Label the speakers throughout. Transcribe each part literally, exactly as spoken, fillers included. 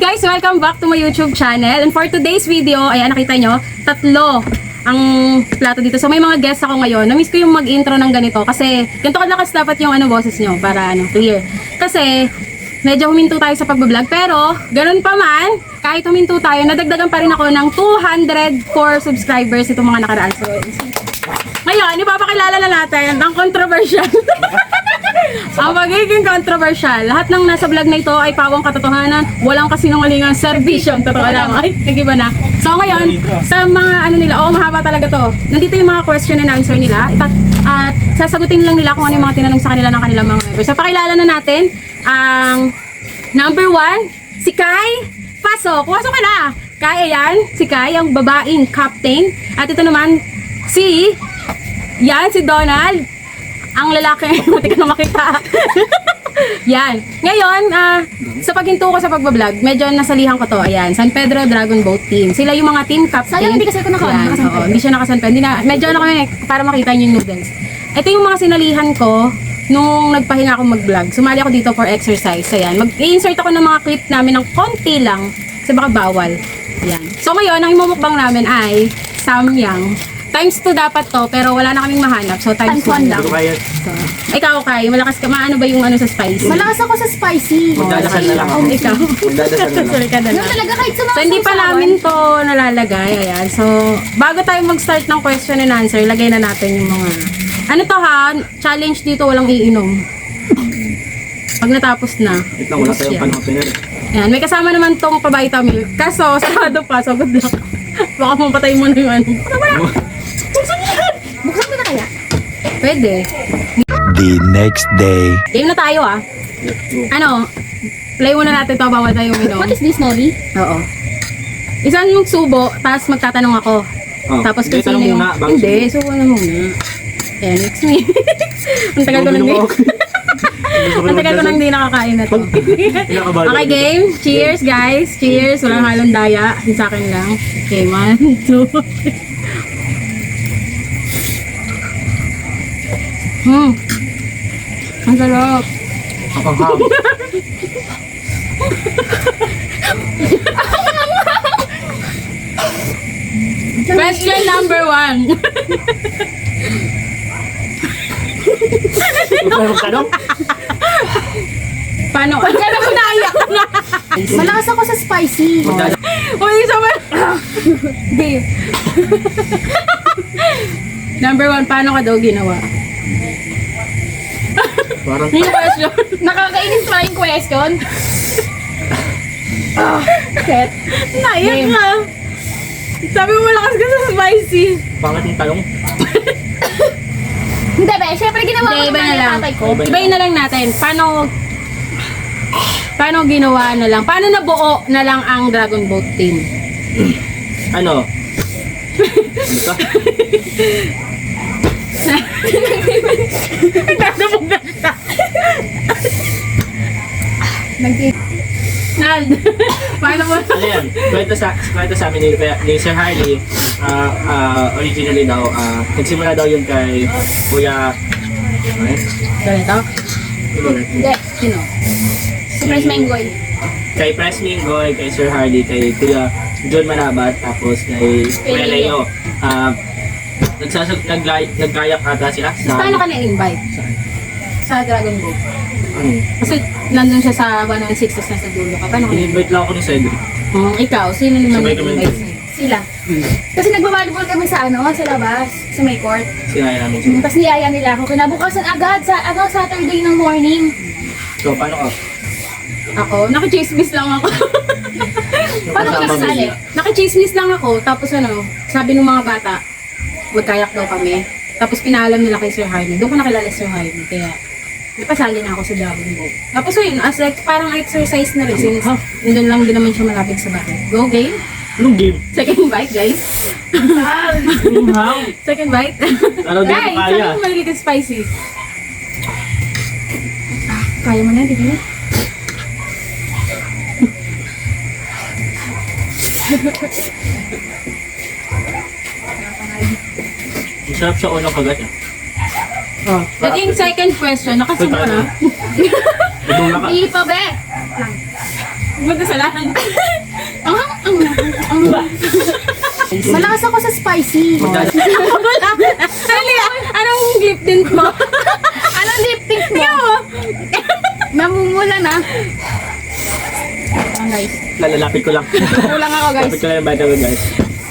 Speaker 1: guys, welcome back to my YouTube channel. And for today's video, ayan, nakita nyo, tatlo ang plato dito. So may mga guests ako ngayon. Na-miss ko yung mag-intro ng ganito kasi ganito kalakas dapat yung ano boses nyo para ano, clear. Kasi medyo huminto tayo sa pagbablog. Pero ganun pa man, kahit huminto tayo, nadagdagan pa rin ako ng two hundred four subscribers itong mga nakaraan. So ngayon, ipapakilala na natin ang controversial. Ang magiging controversial. Lahat ng nasa vlog na ito ay pawang katotohanan. Walang kasinungalingan, servisyon. Totoo lang. Ay, nag-iba na. So ngayon, sa mga ano nila, oh mahaba talaga to. Nandito yung mga question and answer nila. At uh, sasagutin lang nila kung ano yung mga tinanong sa kanila ng kanilang mga members. So pakilala na natin ang number one, si Kai. Pasok, pasok ka na. Kai, ayan. Si Kai, ang babaeng captain. At ito naman, si... Yan, si Donald. Ang lalaki, hindi ka na makita. Yan. Ngayon, uh, sa paghinto ko sa pagbablog, medyo nasalihan ko to. Ayan, San Pedro Dragon Boat Team. Sila yung mga team captain.
Speaker 2: Sayang, hindi kasi ako naka-
Speaker 1: Yan,
Speaker 2: nakasanped.
Speaker 1: oo, hindi siya nakasanped. Hindi na, medyo ano kami, para makita niyo yung noodles. Ito yung mga sinalihan ko nung nagpahinga ako mag-vlog. Sumali ako dito for exercise. Ayan, mag-i-insert ako ng mga clip namin ng konti lang kasi baka bawal. Yan. So ngayon, ang imumukbang namin ay samyang. Times two dapat to, pero wala na kaming mahanap. So, times
Speaker 2: Times
Speaker 1: one
Speaker 2: one
Speaker 1: lang.
Speaker 2: lang.
Speaker 1: So, ikaw, Kai, malakas ka. Maano ba yung ano sa spicy?
Speaker 2: Malakas ako sa spicy.
Speaker 3: Magdadasal na lang ako.
Speaker 1: Oh, ikaw.
Speaker 3: Magdadasal na lang.
Speaker 1: Sorry ka na
Speaker 2: Yung
Speaker 1: lang.
Speaker 2: talaga kahit sa mga
Speaker 1: So, hindi pa
Speaker 2: sausawan.
Speaker 1: namin to nalalagay. Ayan. So, bago tayo mag-start ng question and answer, lagay na natin yung mga... Ano to ha? Challenge dito, walang iinom. Pag natapos na.
Speaker 3: Wait lang, wala tayong
Speaker 1: yan.
Speaker 3: panahon pinag.
Speaker 1: Ayan, may kasama naman tong pabayta milk. Kaso, sarado pa. So, good luck. Baka mapatay mo na yung ano.
Speaker 2: Buksan mo na kaya?
Speaker 1: Pwede.
Speaker 4: The next day.
Speaker 1: Game na tayo ah. Ano? Play muna natin to, bawal tayo uminom.
Speaker 2: What is this, Nori?
Speaker 1: Oo. Isang yung subo, tapos magtatanong ako.
Speaker 3: Oh,
Speaker 1: Tapos
Speaker 3: hindi,
Speaker 1: kung sino
Speaker 3: tanong
Speaker 1: yung...
Speaker 3: muna, bago
Speaker 1: Hindi, subo na muna. Ayan, mix me. Ang tagal ko nang di... Ang tagal ko nang di nakakain na to. Okay, game. Cheers, guys. Cheers. Walang halong daya. Yung sa akin lang. Okay, one, two, three. Hmm. Ang sarap.
Speaker 3: Ang ham.
Speaker 1: Question number one.
Speaker 3: Ano tanong?
Speaker 1: Paano? Ang gano'n mo naiyak na.
Speaker 2: Malakas ako sa spicy.
Speaker 1: Uy, isa ba? Babe. Number one, paano ka daw ginawa?
Speaker 3: Parang
Speaker 1: Yung question.
Speaker 2: Nakakainis pa yung question. Set.
Speaker 1: Naiyak ka. Sabi mo malakas ka sa spicy.
Speaker 3: pangit yung tanong.
Speaker 2: Hindi ba? Siyempre ginawa ko
Speaker 1: Hindi, iba
Speaker 2: naman
Speaker 1: na
Speaker 2: yung
Speaker 1: lang.
Speaker 2: tatay ko.
Speaker 1: Ibayin na lang natin. Paano paano ginawa na lang? Paano nabuo na lang ang Dragon Boat Team?
Speaker 3: Ano? Ano ka?
Speaker 1: Nagdabog na siya.
Speaker 2: Nag-
Speaker 1: Nald. Paano mo?
Speaker 3: Ano yan? Kwento sa, kwento sa amin ni, ni Sir Harley, ah, ah, originally daw, ah, nagsimula daw yun kay Kuya, ano yun?
Speaker 1: Ganito?
Speaker 2: Hindi.
Speaker 1: Sino?
Speaker 2: Surprise Mengoy.
Speaker 3: Kay Press Mingoy, kay Sir Harley, kay Kuya John Manabat, tapos kay Kuya Leo. Ah, nagsasag, naglay, nagkayak ata sila sa...
Speaker 1: Paano ka na-invite?
Speaker 3: Saan?
Speaker 1: Sa Dragon Boat.
Speaker 3: Ano?
Speaker 1: Kasi nandun siya sa one one six, tapos nasa dulo ka. Paano ka na-invite?
Speaker 3: In-invite lang ako ni Cedric.
Speaker 1: Hmm, ikaw, sino naman
Speaker 3: Sabay kami.
Speaker 1: nag-invite sa'yo?
Speaker 2: Sila. Kasi nagbabalibol kami sa ano, sa labas, sa may court.
Speaker 3: Sinaya namin sila.
Speaker 2: Tapos niyaya nila ako. Kinabukasan agad sa ano, Saturday ng morning.
Speaker 3: So, paano ka?
Speaker 1: Ako, naka-chismis lang ako.
Speaker 2: Paano ka nakasali?
Speaker 1: Naka-chismis lang ako, tapos ano, sabi ng mga bata, magkayak daw kami. Tapos pinaalam nila kay Sir Harvey. Doon ko nakilala si Sir Harvey, kaya napasali na ako sa Dragon Boat. Tapos yun, as like, parang exercise na rin, since nandun lang din naman siya malapit sa bahay. Go game!
Speaker 3: Anong game?
Speaker 1: Second bite, guys.
Speaker 3: How?
Speaker 1: Second bite.
Speaker 3: Ano din
Speaker 1: Guys,
Speaker 3: kaya?
Speaker 1: sabi mo mahilig ka spicy. Ah, kaya mo na, di ba?
Speaker 3: Masarap siya unang kagat eh.
Speaker 1: Oh. That yung second question, nakasumo na.
Speaker 3: Ibang naka...
Speaker 2: Hindi pa, be.
Speaker 1: Magkasalanan.
Speaker 2: Ang ang ang Malakas ako sa spicy.
Speaker 3: Magdala.
Speaker 1: Wala. Ano yan? Anong lip tint mo?
Speaker 2: Anong lip tint mo?
Speaker 1: Tingnan mo.
Speaker 2: Namumula na. Ah, guys.
Speaker 3: Lalalapit ko lang.
Speaker 2: Kulang ako, guys.
Speaker 3: Lapit ko lang yung bata ko, guys.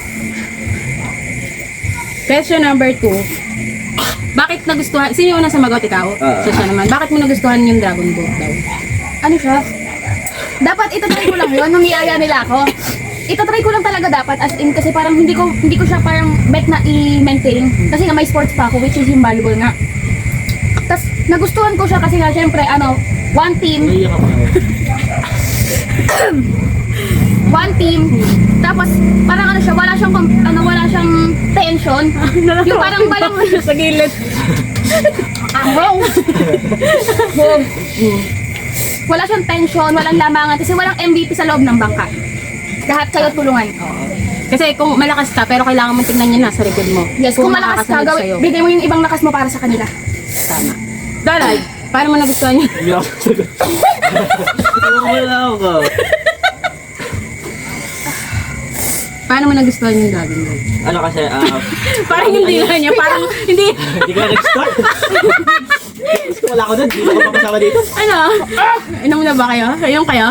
Speaker 1: Question number two. Bakit nagustuhan? Sino yung una sumagot? Ikaw?
Speaker 3: Ah.
Speaker 1: So siya naman. Bakit mo nagustuhan yung Dragon Boat daw?
Speaker 2: Ano siya? Dapat itatry ko lang yun nung iaya nila ako. Itatry ko lang talaga dapat as in kasi parang hindi ko hindi ko siya parang bet na i-maintain kasi nga may sports pa ako which is yung volleyball nga. Tapos nagustuhan ko siya kasi nga syempre ano, one team,
Speaker 3: Naiyak ako.
Speaker 2: one team. Tapos parang ano siya, wala siyang kom- ano wala siyang tension. Yung parang walang
Speaker 1: Sa gilid.
Speaker 2: Ahong. Wala siyang tension, walang lamangan kasi walang M V P sa loob ng bangka. Lahat kayo tulungan.
Speaker 1: Kasi kung malakas ka, pero kailangan mong tingnan niya nasa likod mo.
Speaker 2: Yes, kung, malakas ka,
Speaker 1: makakasunod
Speaker 2: gawin,
Speaker 1: sa'yo.
Speaker 2: bigay mo yung ibang lakas mo para sa kanila.
Speaker 1: Tama. Dalay, paano mo nagustuhan yun?
Speaker 3: Hindi ako sagot. Wala ako.
Speaker 1: Paano mo nagustuhan yung Dragon Boat?
Speaker 3: Ano kasi, ah,
Speaker 1: Parang hindi na niya, parang hindi.
Speaker 3: hindi ko nag-start. Gusto ko wala ako doon, hindi ko mapasama dito.
Speaker 1: Ano? Inom na ba kayo? Ayun kayo?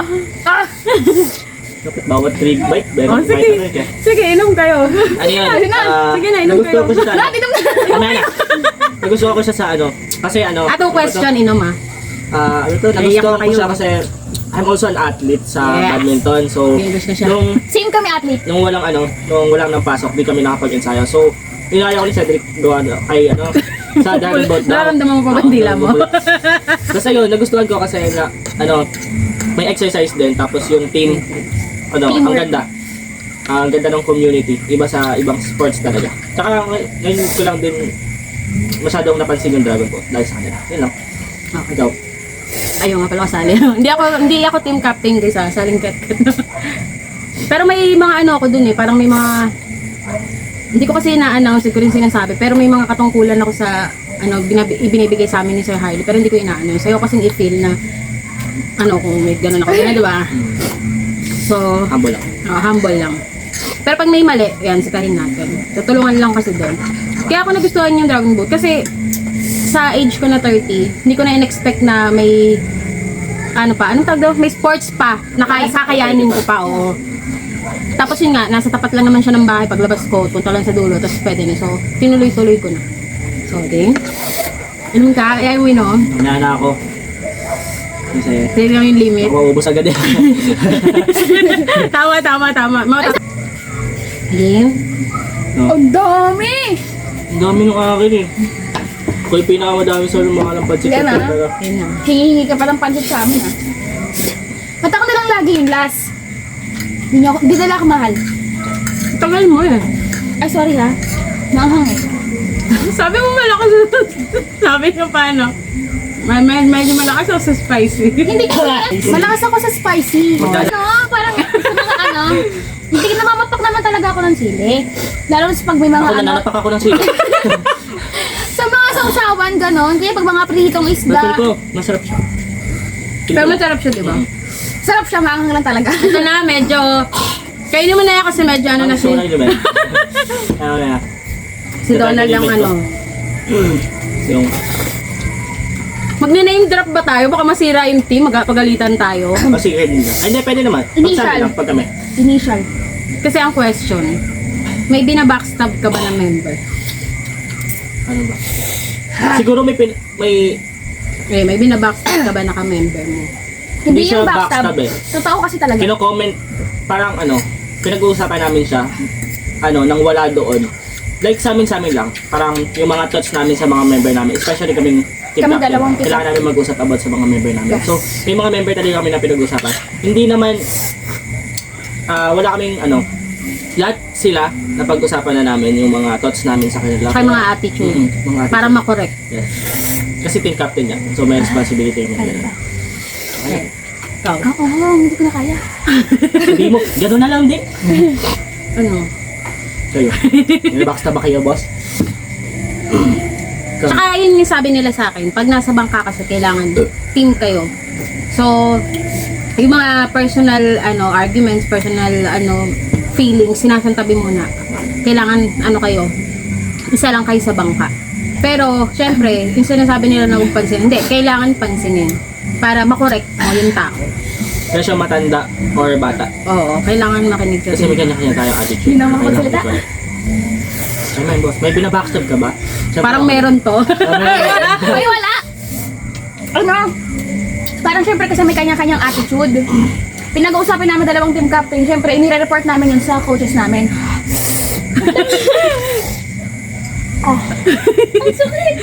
Speaker 3: Kapit bawat trip bike,
Speaker 1: Oh,
Speaker 3: meron
Speaker 1: sige.
Speaker 3: bike eh.
Speaker 1: Sige, inom kayo.
Speaker 3: Ano yan?
Speaker 1: Sige na,
Speaker 3: Ah,
Speaker 1: sige na, inom
Speaker 3: nagustuhan
Speaker 1: kayo.
Speaker 3: ko siya sa ano.
Speaker 2: Lahat inom na.
Speaker 3: Mamaya na. Nagustuhan ko siya sa ano. Kasi ano.
Speaker 1: Atong question, inom ah.
Speaker 3: Ah, ano to?
Speaker 1: Naiyak
Speaker 3: Nagustuhan
Speaker 1: na
Speaker 3: ko
Speaker 1: kayo.
Speaker 3: siya kasi I'm also an athlete sa
Speaker 1: Yes.
Speaker 3: badminton. So,
Speaker 1: Okay, gusto siya.
Speaker 3: nung,
Speaker 2: Same kami athlete.
Speaker 3: nung walang ano, nung walang nang pasok, di kami nakapag-ensayo. So, inaya ko ni Cedric gawa na- kay ano, sa Dragon Boat daw.
Speaker 1: Nararamdaman mo pa ba
Speaker 3: Oo,
Speaker 1: ang dila mo?
Speaker 3: Tapos ayun, nagustuhan ko kasi na, ano, may exercise din. Tapos yung team, ano, ang
Speaker 2: Teamwork.
Speaker 3: ganda. Ang ganda ng community. Iba sa ibang sports talaga. Tsaka ngay- ngayon ko lang din masyadong napansin yung Dragon Boat dahil sa kanila. Yun lang.
Speaker 1: Okay.
Speaker 3: Ikaw.
Speaker 1: Ayun nga pala kasali. hindi ako hindi ako team captain guys ah, saling ket. Pero may mga ano ako dun eh, parang may mga hindi ko kasi ina-announce, hindi ko rin sinasabi, pero may mga katungkulan ako sa ano binabi, ibinibigay sa amin ni Sir Harley, pero hindi ko ina-announce. Ayaw kasi i-feel na ano kung may ganun ako, na, di ba? So,
Speaker 3: Humble lang.
Speaker 1: ah, humble lang. Pero pag may mali, yan, sitahin natin. Tutulungan lang kasi doon. Kaya ako nagustuhan yung Dragon Boat kasi sa age ko na thirty, hindi ko na in-expect na may ano pa, anong tawag daw? May sports pa, na kaya kakayanin ko pa, oo. Tapos yun nga, nasa tapat lang naman siya ng bahay, paglabas ko, punta lang sa dulo, tapos pwede na. So, tinuloy-tuloy ko na. So, okay. Inom ka, ayaw mo inom.
Speaker 3: Mamaya na ako. Kasi,
Speaker 1: Sa'yo lang yung limit.
Speaker 3: maubos agad eh.
Speaker 1: tama, tama, tama. Mga Game.
Speaker 3: No.
Speaker 2: Ang dami!
Speaker 3: Ang dami nung akin eh. Ako yung pinakamadami sa mga ng budget.
Speaker 2: Yan,
Speaker 3: ko
Speaker 2: ah.
Speaker 3: talaga.
Speaker 1: Yun na.
Speaker 2: Hingi ka pa ng pancit sa amin ah. Ba't ako na lang lagi yung last? Hindi niyo ako, di nila ako mahal.
Speaker 1: Tagal mo eh.
Speaker 2: Ay, sorry ha. Naanghang eh.
Speaker 1: Sabi mo malakas. Sabi ko paano? May, may, medyo malakas ako sa spicy.
Speaker 2: Hindi ko malakas ako sa spicy. Ano, parang sa mga ano, hindi namamapak naman talaga ako ng sili. Lalo sa pag may mga
Speaker 3: Ako
Speaker 2: ano,
Speaker 3: nananapak ako ng sila.
Speaker 2: sa mga sausawan ganon, kaya pag mga pritong
Speaker 3: Pero
Speaker 2: isda,
Speaker 3: ko, masarap siya.
Speaker 1: Pero masarap siya, di ba?
Speaker 2: sarap siya, maanghang lang talaga.
Speaker 1: Ito na, medyo... Kainin mo na yan kasi medyo ano na si,
Speaker 3: Gusto ko na yun, Ben. Ano na.
Speaker 1: si Donald ang ano.
Speaker 3: Yung,
Speaker 1: Magne-name drop ba tayo? Baka masira yung team, magpagalitan tayo.
Speaker 3: kasi red nila. Ay, hindi, pwede naman. Pag
Speaker 2: Initial.
Speaker 3: sabi lang, pag kami.
Speaker 2: Initial.
Speaker 1: Kasi ang question, may binabackstab ka ba na member?
Speaker 3: Ano ba? Siguro may, pin, may,
Speaker 1: Eh, may binabackstab ka ba na ka-member mo?
Speaker 2: Hindi
Speaker 3: Hindi
Speaker 2: yung
Speaker 3: siya
Speaker 2: backstab.
Speaker 3: backstab eh.
Speaker 2: Totoo kasi talaga.
Speaker 3: kino-comment, parang ano, pinag-uusapan namin siya, ano, nang wala doon. Like sa amin, sa amin lang. Parang yung mga thoughts namin sa mga member namin, especially kaming team
Speaker 2: Kami
Speaker 3: captain,
Speaker 2: dalawang team
Speaker 3: kailangan namin mag-usap about sa mga member namin.
Speaker 2: Yes.
Speaker 3: So, may mga member talaga kami na pinag-usapan. Hindi naman, ah wala kaming, ano, lahat sila na pag-usapan na namin yung mga thoughts namin sa kanila.
Speaker 1: Kaya mga attitude.
Speaker 3: Mm, mga attitude.
Speaker 1: Para makorek.
Speaker 3: Yes. Kasi team captain niya. So, may responsibility yung
Speaker 2: Kaya
Speaker 3: mga
Speaker 2: ba?
Speaker 1: Okay. Ikaw.
Speaker 2: Oo, hindi ko na kaya.
Speaker 3: Sabi mo, gano'n na lang din.
Speaker 1: Ano?
Speaker 3: Kayo. May backstab ba kayo, boss? Ikaw.
Speaker 1: Tsaka yun yung sabi nila sa akin, pag nasa bangka kasi kailangan team kayo. So, yung mga personal ano arguments, personal ano feelings, sinasantabi muna. Kailangan ano kayo, isa lang kayo sa bangka. Pero, syempre, yung sinasabi nila na huwag pansinin, hindi, kailangan pansinin para makorek mo yung tao.
Speaker 3: Kaya siya matanda or bata.
Speaker 1: Oo, kailangan makinig ka.
Speaker 3: Kasi may kanya-kanya tayong attitude.
Speaker 2: Hindi naman
Speaker 3: Kailangan
Speaker 2: magsalita.
Speaker 3: equal. Ay, man, boss. May binabackstab ka ba? Siyempre
Speaker 1: Parang
Speaker 3: ako.
Speaker 1: meron to.
Speaker 2: Ay, wala! Ano? Parang syempre kasi may kanya-kanyang attitude. Pinag-uusapan namin dalawang team captain. Syempre, inire-report namin yun sa coaches namin. Oh. Ang sakit!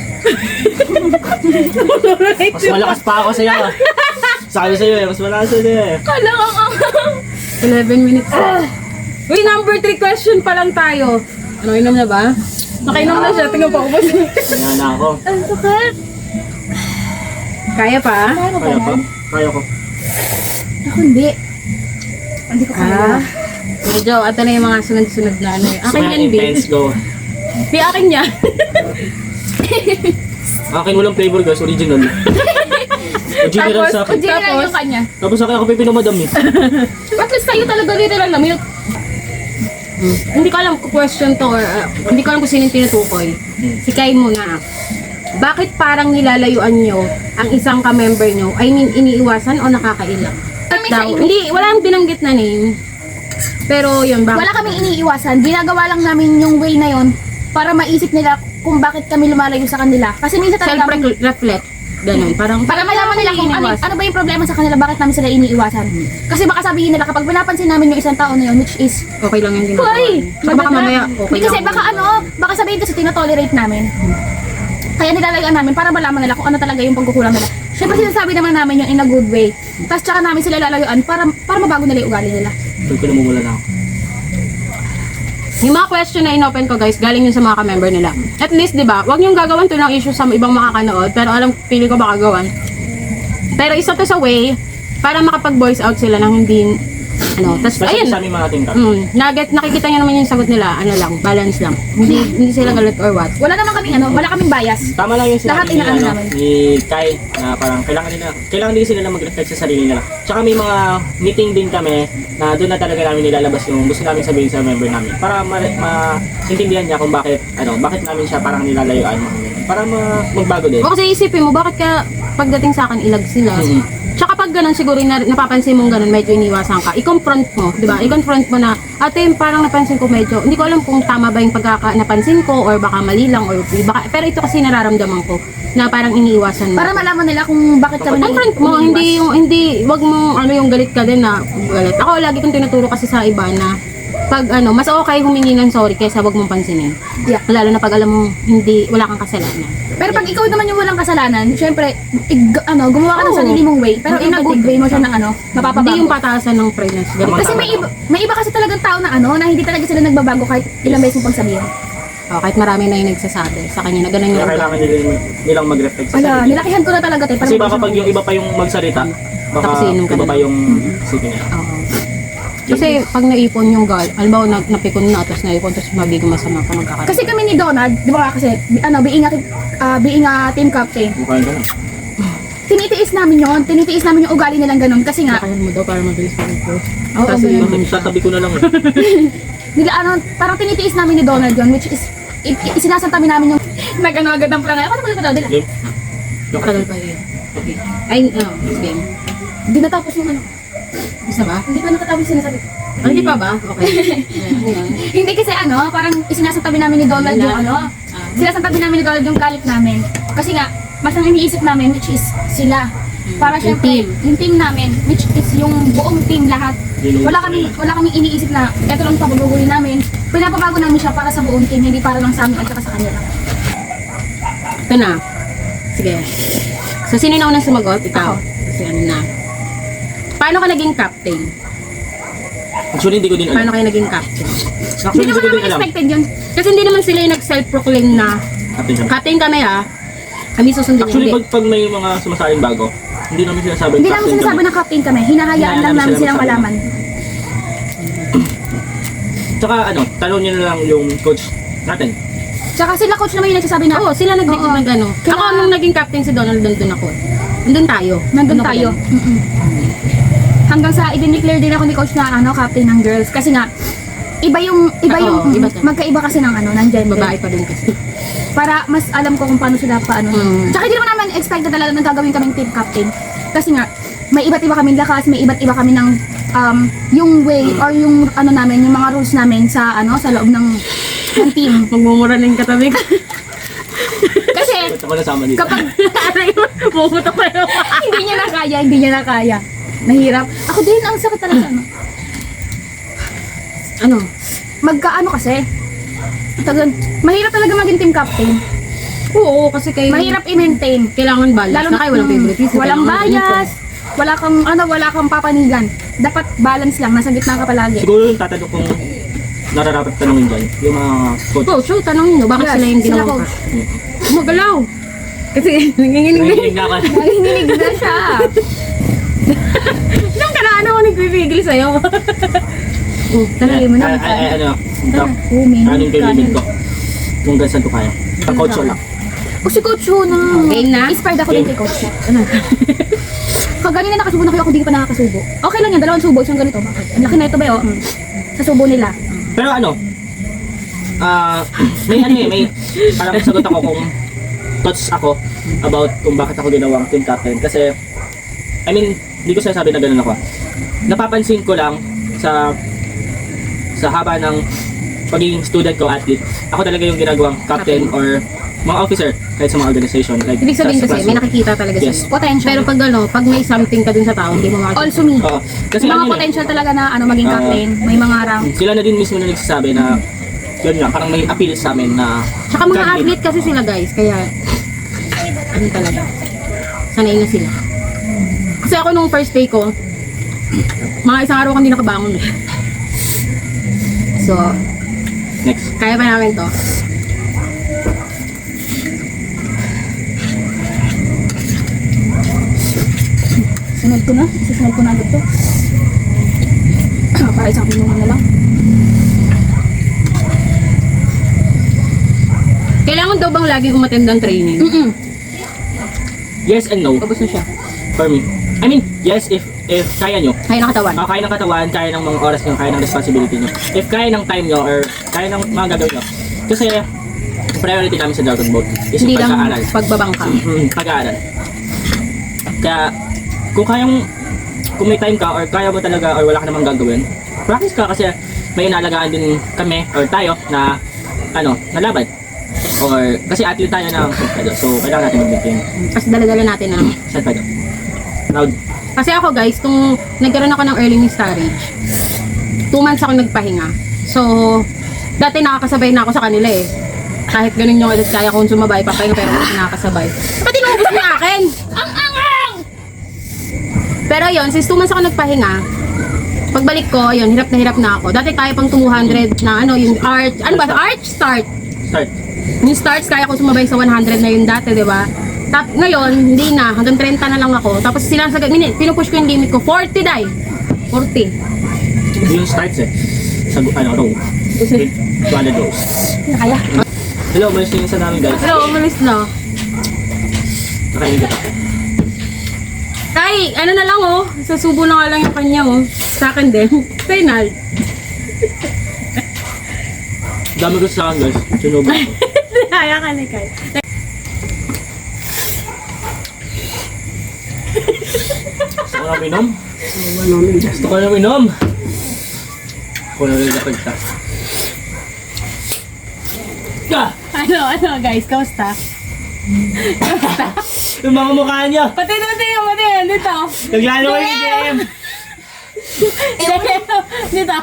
Speaker 3: Mas malakas pa ako sa'yo. ah. Sabi sa'yo eh, mas malakas sa'yo eh.
Speaker 2: Kala ko ang...
Speaker 1: eleven minutes. Uy, number three question pa lang tayo. Ano, inom na ba? Nakainom na siya. Tingnan pa ako.
Speaker 3: Kanya na ako.
Speaker 2: Ang sakit!
Speaker 1: Kaya pa?
Speaker 2: Kaya ko
Speaker 3: Kaya
Speaker 2: pa
Speaker 3: pa?
Speaker 2: yan?
Speaker 3: Kaya ko.
Speaker 2: Ako hindi. Hindi ko kaya.
Speaker 1: Ah. Medyo, ito na yung mga sunod-sunod na ano. eh. Akin
Speaker 3: Kaya
Speaker 1: yan, babe.
Speaker 3: intense go.
Speaker 1: Di akin yan.
Speaker 3: Akin walang flavor guys, original. Original sa akin.
Speaker 2: General
Speaker 1: Tapos?
Speaker 2: yung kanya.
Speaker 3: Tapos akin ako pipinomadam eh.
Speaker 2: At least tayo talaga dito lang namin.
Speaker 1: Hindi ko alam kung question to or uh, hindi ko alam kung sino yung tinutukoy. Si Kai muna. Bakit parang nilalayuan nyo ang isang ka-member nyo? I mean, iniiwasan o nakakailang?
Speaker 2: Kami
Speaker 1: Daw,
Speaker 2: sa ini-
Speaker 1: hindi, walang binanggit na name. Pero yun, bakit?
Speaker 2: Wala kaming iniiwasan. Ginagawa lang namin yung way na yon para maisip nila kung bakit kami lumalayo sa kanila. Kasi minsan talaga...
Speaker 1: Self-reflect. Ganun. Parang,
Speaker 2: Para malaman nila kung ano,
Speaker 1: iniiwasan.
Speaker 2: ano ba yung problema sa kanila, bakit namin sila iniiwasan. Kasi baka sabihin nila kapag pinapansin namin yung isang tao na yun, which is,
Speaker 1: Okay lang yung ginagawa.
Speaker 2: Hoy!
Speaker 1: niyo. Saka baka mamaya, okay
Speaker 2: Hindi kasi
Speaker 1: lang.
Speaker 2: baka ano, baka sabihin kasi tinotolerate namin. Kaya nilalayaan namin para malaman nila kung ano talaga yung pagkukulang nila. Siyempre sinasabi naman namin yung in a good way. Tapos tsaka namin sila lalayuan para para mabago nila yung ugali nila.
Speaker 3: Doon ko namumula na ako.
Speaker 1: Yung mga question na inopen ko guys, galing yun sa mga ka-member nila. At least, di ba, wag niyong gagawan to ng issue sa ibang makakanood, pero alam, pili ko baka gawan. Pero isa to sa way, para makapag-voice out sila ng hindi, ano, tas,
Speaker 3: Kasi
Speaker 1: ayun,
Speaker 3: sa aming mga team cap.
Speaker 1: mm, naget, nakikita niyo naman yung sagot nila, ano lang, balance lang. Hindi, hindi sila galit or what.
Speaker 2: Wala naman kaming ano, wala kaming bias.
Speaker 3: Tama lang yung
Speaker 2: Lahat
Speaker 3: sinabi ni,
Speaker 2: inaano
Speaker 3: ano,
Speaker 2: namin.
Speaker 3: ni Kai na parang kailangan nila, kailangan din sila na mag-reflect sa sarili nila. Tsaka may mga meeting din kami na doon na talaga namin nilalabas yung gusto namin sabihin sa member namin para ma- maintindihan niya kung bakit, ano, bakit namin siya parang nilalayuan. Para ma- magbago din.
Speaker 1: O kasi isipin mo, bakit ka pagdating sa akin, ilag sila?
Speaker 3: Mhm.
Speaker 1: Tsaka pag ganun, siguro na, napapansin mong ganun, medyo iniwasan ka. I-confront mo, di ba? I-confront mo na, ate, parang napansin ko medyo, hindi ko alam kung tama ba yung pagkaka napansin ko or baka mali lang or baka, pero ito kasi nararamdaman ko na parang iniiwasan mo.
Speaker 2: Para malaman nila kung bakit kami
Speaker 1: Confront mo,
Speaker 2: umiiwas.
Speaker 1: hindi yung, hindi, wag mo, ano yung galit ka din na, galit. Ako, lagi kong tinuturo kasi sa iba na, pag ano, mas okay humingi ng sorry kaysa wag mong pansinin.
Speaker 2: Yeah.
Speaker 1: Lalo na pag alam mo, hindi, wala kang kasalanan.
Speaker 2: Pero pag ikaw naman yung walang kasalanan, syempre, ig- ano, gumawa ka ng
Speaker 1: Oo.
Speaker 2: sarili mong way. Pero in a good way mo siya ng ano, mapapabago.
Speaker 1: Hindi yung pataasan ng pregnancy. Galit.
Speaker 3: Tama.
Speaker 2: Kasi may iba, may iba kasi talagang tao na ano, na hindi talaga sila nagbabago kahit ilang beses mong pagsabihin.
Speaker 1: Oh, kahit marami na yung nagsasabi sa kanya na ganun
Speaker 3: Kaya
Speaker 1: yung
Speaker 3: kailangan nila, nilang mag-reflect sa
Speaker 2: Wala,
Speaker 3: sarili.
Speaker 2: nilakihan ko na talaga tayo.
Speaker 3: Kasi baka pag yung iba pa yung magsalita, baka
Speaker 1: Tapos inom ka
Speaker 3: iba
Speaker 1: na.
Speaker 3: pa yung isipin nila.
Speaker 1: Oo. Kasi pag naipon yung gal, alam na napikon na, tapos naipon, tapos mabigong masama ka magkakaroon.
Speaker 2: Kasi kami ni Donald, di ba kasi, bi- ano, being a, uh, being a team captain,
Speaker 3: Mukhaan ka na.
Speaker 2: tinitiis namin yon, tinitiis namin yung ugali nilang ganun. Kasi nga,
Speaker 1: Lakayan mo daw para mabilis mag-post.
Speaker 2: Oo,
Speaker 1: Kasi
Speaker 2: ganun.
Speaker 1: yun siya.
Speaker 3: Tatabi ko na lang eh.
Speaker 2: nila, ano, parang tinitiis namin ni Donald yon, which is, i- i- isinasantabi namin yung, nag-ano agad ng plangay. Ano ba ito?
Speaker 3: Game?
Speaker 1: Tagal pa yun. Ay, oh, game.
Speaker 2: Hindi natapos yung ano.
Speaker 1: Isa ba?
Speaker 2: Hindi pa natatapos yung sinasabi.
Speaker 1: Ah, hindi pa ba? Okay. Ayan, ayan.
Speaker 2: Hindi kasi ano, parang isinasantabi namin ni Donald yung ano. Sinasantabi namin ni Donald yung galit namin. Kasi nga, mas ang iniisip namin, which is sila. Para
Speaker 1: Yung
Speaker 2: syempre,
Speaker 1: team.
Speaker 2: yung team namin, which is yung buong team lahat. Wala kami wala kaming iniisip na eto lang paguguli namin. Pinapabago namin siya para sa buong team, hindi para lang sa amin at saka sa kanila.
Speaker 1: Ito na. Sige. So, sino na unang sumagot? Ikaw.
Speaker 2: Ako.
Speaker 1: Kasi ano na. Paano ka naging captain?
Speaker 3: Actually, hindi ko din
Speaker 1: Paano
Speaker 3: alam.
Speaker 1: kayo naging captain?
Speaker 2: Hindi
Speaker 3: Actually, hindi
Speaker 2: naman
Speaker 3: ko din
Speaker 2: namin
Speaker 3: alam.
Speaker 2: expected yun.
Speaker 1: Kasi hindi naman sila yung nag-self-proclaim na
Speaker 3: Captain siya.
Speaker 1: captain kami ah. Kami susundin
Speaker 3: Actually,
Speaker 1: hindi.
Speaker 3: pag, pag may mga sumasaling bago, hindi namin sinasabi
Speaker 2: Hindi namin sinasabi na captain kami, hinahayaan
Speaker 3: Hinahayaan
Speaker 2: lang
Speaker 3: namin
Speaker 2: namin
Speaker 3: sila
Speaker 2: silang
Speaker 3: magsabi.
Speaker 2: malaman.
Speaker 3: Tsaka ano, tanong niyo na lang yung coach natin.
Speaker 2: Tsaka sila coach naman yung nagsasabi na,
Speaker 1: Oo, sila nag
Speaker 2: Oo.
Speaker 1: nag ano.
Speaker 2: Kaya-
Speaker 1: Ako nung naging captain si Donald, nandun ako. Nandun tayo.
Speaker 2: nandun
Speaker 1: Ano ko
Speaker 2: tayo.
Speaker 1: din.
Speaker 2: Mm-mm. hanggang sa i-declare din ako ni coach na ano, captain ng girls. Kasi nga, iba yung, iba
Speaker 1: Oo,
Speaker 2: yung,
Speaker 1: iba to.
Speaker 2: magkaiba kasi ng ano, ng gender.
Speaker 1: Babae pa din kasi.
Speaker 2: Para mas alam ko kung paano sila paano.
Speaker 1: Mm.
Speaker 2: Tsaka hindi naman naman expected talaga na gagawin kaming team captain. Kasi nga, may iba't iba kaming lakas, may iba't iba kami ng um, yung way or yung ano namin, yung mga rules namin sa ano, sa loob ng, ng team.
Speaker 1: Magmumura na yung katabi ko.
Speaker 2: Kasi
Speaker 3: Ba't ako nasama dito?
Speaker 2: kapag
Speaker 1: Aray mo, puputok ko yun.
Speaker 2: hindi niya na kaya, hindi niya na kaya. Mahirap. Ako din, ang sakit talaga. Ano.
Speaker 1: Ano?
Speaker 2: Magkaano kasi, tagal, mahirap talaga maging team captain.
Speaker 1: Oo, kasi kayo...
Speaker 2: Mahirap i-maintain.
Speaker 1: Kailangan balance
Speaker 2: Lalo
Speaker 1: na kayo, walang favoritism.
Speaker 2: Walang
Speaker 1: kailangan
Speaker 2: bias, wala kang ano, wala kang papanigan. Dapat balance lang, nasa gitna ka palagi.
Speaker 3: Siguro yung tatanong kong nararapat tanongin dyan, yung mga coach.
Speaker 1: Oh, so tanongin nyo, bakit
Speaker 2: Yes,
Speaker 1: sila yung
Speaker 2: sila
Speaker 1: ginawa
Speaker 2: coach.
Speaker 1: ka? Magalaw! Kasi nanginginig na
Speaker 3: Nanginig na ako.
Speaker 2: Nanginginig na siya.
Speaker 1: Diyan ka na, ano ako nagpipigil sa'yo? oh,
Speaker 2: Talagay mo na.
Speaker 3: Ay, ay, ay, ano,
Speaker 2: Tara,
Speaker 3: ano
Speaker 2: uminom
Speaker 3: yung
Speaker 2: ka
Speaker 3: limit
Speaker 2: na.
Speaker 3: ko? Kung gansan to kaya. Ang coach ko lang.
Speaker 2: O si Coach Hu na.
Speaker 1: Game na?
Speaker 2: Inspired ako din kay Coach Hu. Ano? Kaganina nakasubo na kayo, ako hindi pa nakakasubo. Okay lang yan, dalawang subo, isang ganito. Bakit? Ang laki na ito ba yun? Mm. Sa subo nila.
Speaker 3: Pero ano, ah, may ano eh, may parang sagot ako kung thoughts ako about kung bakit ako ginawang team captain. Kasi, I mean, hindi ko sinasabi na ganun ako. Napapansin ko lang sa sa haba ng pagiging student ko, athlete, ako talaga yung ginagawang captain or mga officer kahit sa mga organization. Like,
Speaker 1: Ibig sabihin
Speaker 3: sa- sa
Speaker 1: kasi, may
Speaker 3: classroom.
Speaker 1: nakikita talaga
Speaker 3: Yes.
Speaker 1: sa'yo.
Speaker 2: Potential.
Speaker 1: Pero pag ano, pag may something ka dun sa tao, hindi mo makakita.
Speaker 2: Also me.
Speaker 3: Oo. Kasi
Speaker 2: May mga
Speaker 3: ano yun eh,
Speaker 2: potential talaga na ano maging
Speaker 3: Oo.
Speaker 2: captain. May mga rank.
Speaker 3: sila na din mismo na nagsasabi na yun nga, parang may appeal sa amin na
Speaker 1: Tsaka mga
Speaker 3: can lead.
Speaker 1: athlete kasi sila guys, kaya ano talaga, sanay na sila. Kasi ako nung first day ko, mga isang araw ko hindi nakabangon. eh. So,
Speaker 3: Next.
Speaker 1: kaya pa namin to.
Speaker 2: Sunod ko na. Susunod ko na agad to. Para isang pinuha na lang.
Speaker 1: Kailangan daw bang laging umattend ng training?
Speaker 2: Mm-mm.
Speaker 3: Yes and no
Speaker 1: Tapos na siya.
Speaker 3: for me. I mean, yes if if kaya nyo.
Speaker 1: Kaya ng katawan.
Speaker 3: Ah, kaya ng katawan, kaya ng mga oras nyo, kaya ng responsibility nyo. If kaya ng time nyo or kaya ng mga gagawin nyo. Kasi priority namin sa Dragon Boat is
Speaker 1: Hindi
Speaker 3: yung
Speaker 1: lang
Speaker 3: pag-aaral.
Speaker 1: pagbabangka.
Speaker 3: Mm, pag-aaral. Kaya kung kayang kung may time ka or kaya mo talaga or wala ka namang gagawin, practice ka kasi may inalagaan din kami or tayo na ano, na laban. Or kasi athlete tayo na so kailangan natin mag-maintain.
Speaker 1: Kasi dala-dala natin na.
Speaker 3: Saan tayo? Loud.
Speaker 1: Kasi ako guys, nung nagkaroon ako ng early miscarriage, two months ako nagpahinga. So, dati nakakasabay na ako sa kanila eh. Kahit ganun yung edad, kaya kong sumabay, papahinga pero hindi nakakasabay. Pati naubos niya akin! Ang angang! Pero yun, since two months ako nagpahinga, pagbalik ko, yun, hirap na hirap na ako. Dati kaya pang two hundred na ano, yung arch, ano ba, arch start.
Speaker 3: Start.
Speaker 1: Yung starts, kaya ko sumabay sa one hundred na yun dati, di ba? Tap, ngayon, hindi na. Hanggang thirty na lang ako. Tapos sila sa minute, pinupush ko yung limit ko. forty dai. forty.
Speaker 3: Yung starts eh. Sa ano, row. two hundred rows.
Speaker 2: Kaya.
Speaker 3: Hello, malis na yung isa namin guys.
Speaker 1: Pero umalis na.
Speaker 3: Nakaingat.
Speaker 1: Tay, ano na lang oh. Sa subo na nga lang yung kanya oh. Sa akin din. Final.
Speaker 3: Dami ko sa akin guys. Sunog ako.
Speaker 1: Kaya ka na kay.
Speaker 3: Gusto ko na minom? Gusto ko na minom? Ako na rin napag ta. Ah!
Speaker 1: Ano, ano guys, kamusta? Kamusta?
Speaker 3: Yung mga mukha niyo!
Speaker 1: Pati na, pati na, pati na. Dito.
Speaker 3: Naglalo kayo ni J M!
Speaker 1: Dito. Dito.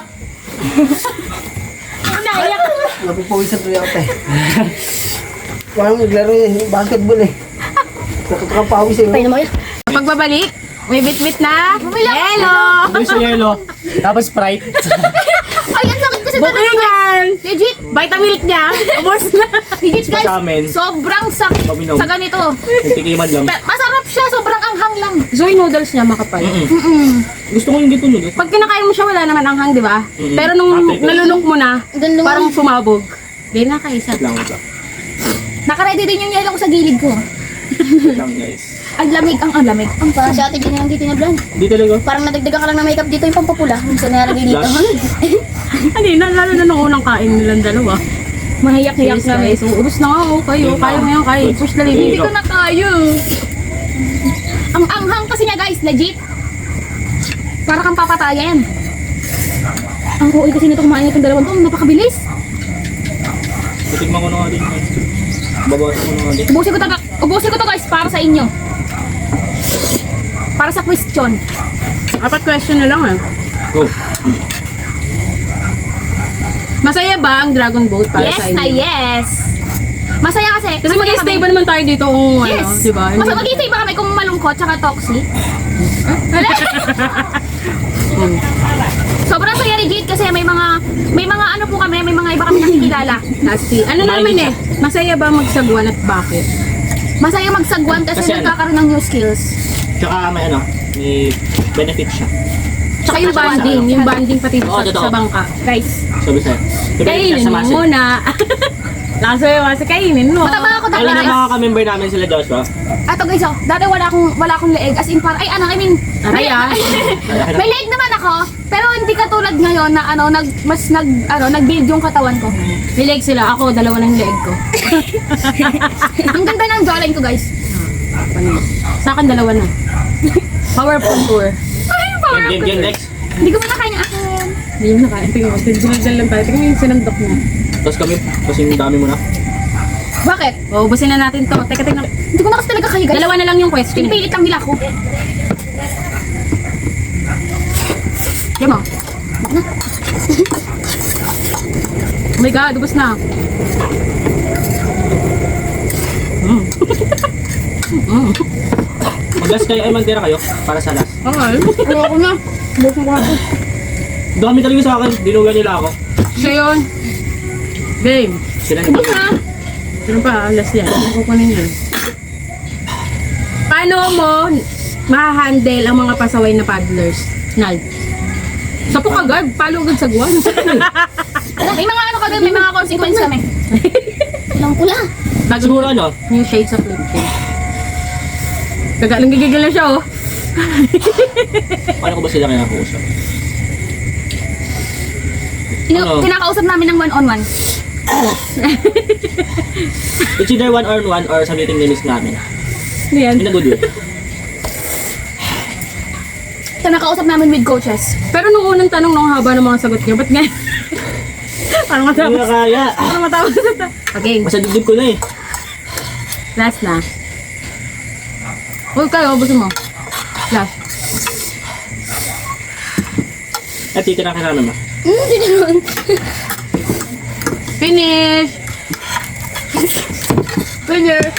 Speaker 1: Naiyak.
Speaker 5: Napupawisan tuloy ako tayo. Parang naglaro yun, yung basketball eh. Nakakapawis eh.
Speaker 2: Tayo na mo yan.
Speaker 1: Pagbabalik, may bit-bit na. Hello!
Speaker 3: Ano sa yelo? Tapos Sprite.
Speaker 2: Ay, ang sakit kasi talaga.
Speaker 1: Bukingan!
Speaker 2: Legit.
Speaker 1: Vitamilk niya. Ubos na.
Speaker 2: Legit guys.
Speaker 3: Sa amin.
Speaker 2: Sobrang sakit
Speaker 3: Paminom.
Speaker 2: sa ganito.
Speaker 3: Nagtikiman lang.
Speaker 2: Pa- Masarap siya, sobrang anghang lang.
Speaker 1: So yung noodles niya makapal.
Speaker 3: Mm-mm.
Speaker 2: Mm-mm.
Speaker 3: Gusto ko yung dito nun eh.
Speaker 1: Pag kinakain mo siya, wala naman anghang, di ba?
Speaker 3: Mm.
Speaker 1: Pero nung
Speaker 3: Ate,
Speaker 1: nalunok mo na,
Speaker 2: Dun naman.
Speaker 1: parang sumabog. Di na kaisa.
Speaker 3: Wait lang, wait lang.
Speaker 2: Nakaready din yung yelo ko sa gilid ko.
Speaker 3: Wait lang guys.
Speaker 2: Ang lamig, ang ang lamig. Ang pa, si ate din yung dito na blonde.
Speaker 3: Di talaga.
Speaker 2: Parang nadagdagan ka lang ng makeup dito yung pampapula. Ang sinaragay dito.
Speaker 3: Blush.
Speaker 1: Hindi na, lalo na nung unang kain nilang dalawa.
Speaker 2: Mahiyak-hiyak
Speaker 1: Yes,
Speaker 2: na
Speaker 1: guys. So, ubus na nga, oh. Kayo, kaya mo yan, kaya. Push na
Speaker 2: Hindi
Speaker 1: rin.
Speaker 2: ko na kaya. Ang anghang kasi niya guys, legit. Para kang papatayan. Ang huwi kasi nito kumain itong dalawang to, napakabilis.
Speaker 3: Titigman ko na nga din. Babawasan ko na nga din.
Speaker 2: Ubusin ko to, ubusin ko to guys para sa inyo. Para sa question.
Speaker 1: Apat question na lang, eh.
Speaker 3: Go.
Speaker 1: Masaya ba ang Dragon Boat para
Speaker 2: Yes
Speaker 1: sa
Speaker 2: na
Speaker 1: inyo?
Speaker 2: yes. Masaya kasi.
Speaker 1: Kasi
Speaker 2: masaya
Speaker 1: mag-stay
Speaker 2: kami.
Speaker 1: ba naman tayo dito kung
Speaker 2: Yes.
Speaker 1: ano, di ba?
Speaker 2: Mas mag-stay ba kami kung malungkot tsaka toxic?
Speaker 1: Hmm.
Speaker 2: Sobrang saya legit kasi may mga may mga ano po kami, may mga iba kami nakikilala.
Speaker 1: Lasti. Ano naman eh? Masaya ba magsagwan at bakit?
Speaker 2: Masaya magsagwan kasi,
Speaker 3: Kasi ano?
Speaker 2: nagkakaroon ng new skills.
Speaker 3: Tsaka may ano, may benefit siya.
Speaker 1: Tsaka yung
Speaker 2: Tsaka
Speaker 1: banding,
Speaker 2: siya-
Speaker 1: yung banding pati
Speaker 3: Oo,
Speaker 1: sa,
Speaker 3: totoo.
Speaker 1: sa bangka.
Speaker 2: Guys,
Speaker 3: Sabi sa'yo. May benefit
Speaker 1: Kainin
Speaker 3: siya sa
Speaker 1: mo
Speaker 3: muscle.
Speaker 1: muna. Lakas mo kasi kainin mo.
Speaker 2: mataba ako dati.
Speaker 3: Alam na mga ka-member namin sila Joshua.
Speaker 2: Ato guys, oh, dati wala akong wala akong leeg as in par ay ano, I mean,
Speaker 1: Aray, ah.
Speaker 2: may leeg naman ako, pero hindi katulad ngayon na ano, nag mas nag ano, nag-build yung katawan ko.
Speaker 1: May leg sila. Ako, dalawa ng leg ko.
Speaker 2: Ang ganda ng jawline ko, guys.
Speaker 1: Sa akin, dalawa na. Powerful tour.
Speaker 2: Ay, power
Speaker 3: Game,
Speaker 2: up
Speaker 3: game,
Speaker 2: ko.
Speaker 3: game, next.
Speaker 2: Hindi ko pinakain yung akin.
Speaker 1: Hindi mo na kaya. Tingnan mo. Dinadal lang tayo. Tingnan mo yung sinandok na.
Speaker 3: Tapos kami, kasing dami mo na.
Speaker 2: Bakit?
Speaker 1: O, ubusin na natin to. Teka, tingnan.
Speaker 2: Hindi ko na kasi talaga kaya, guys.
Speaker 1: Dalawa na lang yung question.
Speaker 2: Pinipilit lang nila ako.
Speaker 1: Diyan mo. Oh my God, ubus na. Mm. mm.
Speaker 3: Mag-last kayo, ay magtira kayo para sa last.
Speaker 1: Okay.
Speaker 2: Ayoko na. Bukas ko ako.
Speaker 3: Dami talaga sa akin, dinugan nila ako.
Speaker 1: Siya yun. Game.
Speaker 3: Sila
Speaker 2: Bukas
Speaker 3: nila.
Speaker 2: na.
Speaker 1: Sino pa? Alas yan. Ano kukunin yan? Paano mo ma-handle ang mga pasaway na paddlers? Nal. Sapok agad. Palo agad sa guwan.
Speaker 2: May mga ano kami, may mga consequence kami. Lang pula.
Speaker 1: Bago
Speaker 3: Siguro ano,
Speaker 1: New shades of Lipkin. Kagalang gigigil na siya, oh.
Speaker 3: paano ko ba sila kaya nakausap?
Speaker 2: Tinu-
Speaker 3: Ano?
Speaker 2: Kinakausap namin ng one-on-one.
Speaker 3: It's either one on one or sa meeting minutes namin.
Speaker 1: Ano yan?
Speaker 3: In a good way.
Speaker 2: Kinakausap namin with coaches.
Speaker 1: Pero nung unang tanong, nung haba ng mga sagot niyo, ba't ngayon? Parang
Speaker 3: Hindi
Speaker 1: matapos.
Speaker 3: na kaya.
Speaker 1: Parang matapos na ta. Okay,
Speaker 3: Masa dibdib ko na eh.
Speaker 1: last na. Huwag kayo, ubusin mo. Last.
Speaker 3: At titira ka namin ba?
Speaker 2: Hmm, hindi naman.
Speaker 1: Finish! Finish!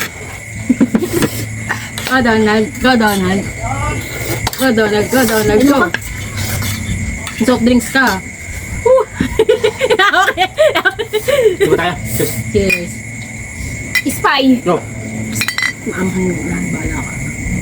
Speaker 1: Go Donald, go Donald. Go Donald, go Donald, go. Soft drinks ka. Woo! Okay.
Speaker 3: Di ba tayo? Cheers.
Speaker 1: Cheers.
Speaker 2: Spy.
Speaker 3: Go.
Speaker 1: Maanghang na, bala ka.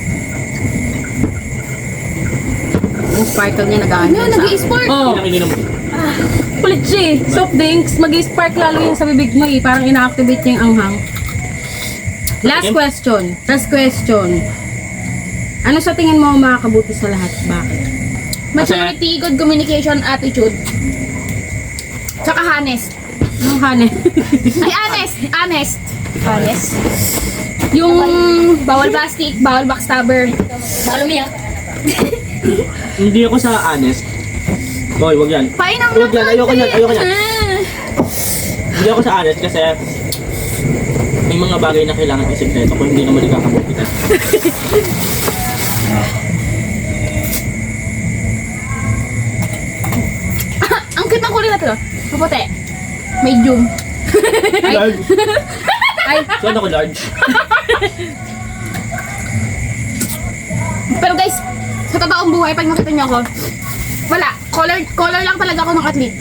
Speaker 1: Yung sparkle niya nag-ano
Speaker 2: Ano, nag-i-sport?
Speaker 1: Oh,
Speaker 3: Ininom, ininom.
Speaker 1: kulit siya eh. Soft drinks, mag-spark lalo yung sa bibig mo eh. Parang ina-activate niya yung anghang. Last
Speaker 3: Okay.
Speaker 1: question. Last question. Ano sa tingin mo ang makakabuti sa lahat? Bakit?
Speaker 2: Maturity, good communication, attitude. Tsaka honest.
Speaker 1: Anong hanin?
Speaker 2: Ay, honest. Honest. Honest. Yung bawal plastic, bawal backstabber. Bawal umiyak.
Speaker 3: Hindi ako sa honest. Boy, wag yan.
Speaker 2: Painang
Speaker 3: Huwag yan, ayoko yan, ayoko yan. Hindi ako sa honest kasi may mga bagay na kailangan isikreto kung hindi naman nagkakabukitan.
Speaker 2: Ang cute ng kulay na to. Maputi. Medium.
Speaker 3: Large.
Speaker 1: Ay,
Speaker 3: Saan ako large?
Speaker 2: Pero guys, sa totoong buhay, pag makita niyo ako, wala. Color, color lang talaga ako ng athlete.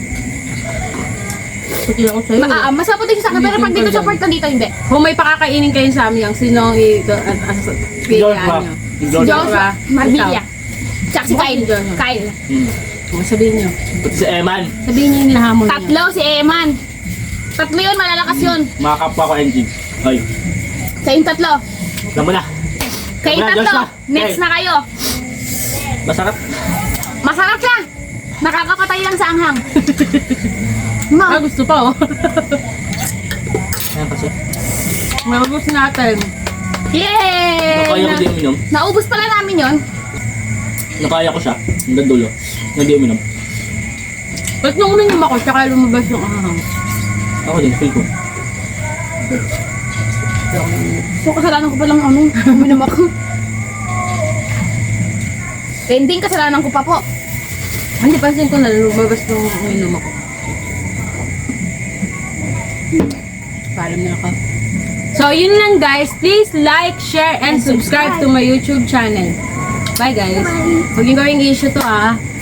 Speaker 1: puti ako sa'yo.
Speaker 2: Ma ah, mas maputi siya sa akin, pero pag dito sa part ko dito, hindi.
Speaker 1: Kung may pakakainin kayo sa amin, yung sino ang i- do- as- as-
Speaker 3: Joshua.
Speaker 1: pilihan nyo?
Speaker 2: Si
Speaker 3: Joshua.
Speaker 2: Joshua, Marbilla. Tsaka si
Speaker 1: Mukha
Speaker 2: Kyle.
Speaker 1: si Joshua.
Speaker 2: Kyle.
Speaker 3: Hmm.
Speaker 1: Oh, sabihin nyo.
Speaker 3: Pati si Eman.
Speaker 1: Sabihin nyo yung hinahamon nyo.
Speaker 2: Tatlo, si Eman. Tatlo yun, malalakas yun.
Speaker 3: Mga kapwa ko engine. Hoy,
Speaker 2: Sa yung tatlo.
Speaker 3: alam mo na.
Speaker 2: Kay
Speaker 3: Wala, Diyos
Speaker 2: tatlo,
Speaker 3: na.
Speaker 2: next
Speaker 3: Okay.
Speaker 2: na kayo.
Speaker 3: Masarap.
Speaker 2: Masarap siya. Nakakapatay lang sa anghang.
Speaker 1: Ah,
Speaker 2: Ma,
Speaker 1: gusto pa oh.
Speaker 3: Ayan kasi.
Speaker 1: Mabubos natin.
Speaker 2: yay!
Speaker 3: Nakaya ko
Speaker 2: Na-
Speaker 3: din uminom.
Speaker 2: naubos pala namin yon.
Speaker 3: Nakaya ko siya. Hanggang dulo. Hindi uminom.
Speaker 1: Ba't nung uminom ako, tsaka lumabas yung ahang.
Speaker 3: Ako din, feel ko.
Speaker 2: So, kasalanan ko palang ano, uminom ako. Ending, kasalanan ko pa po.
Speaker 1: Hindi, pansin ko na lumabas nung uminom ako. Parang na ako. So, yun lang guys. Please like, share, and subscribe to my YouTube channel. Bye guys. Huwag yung gawing issue to ah.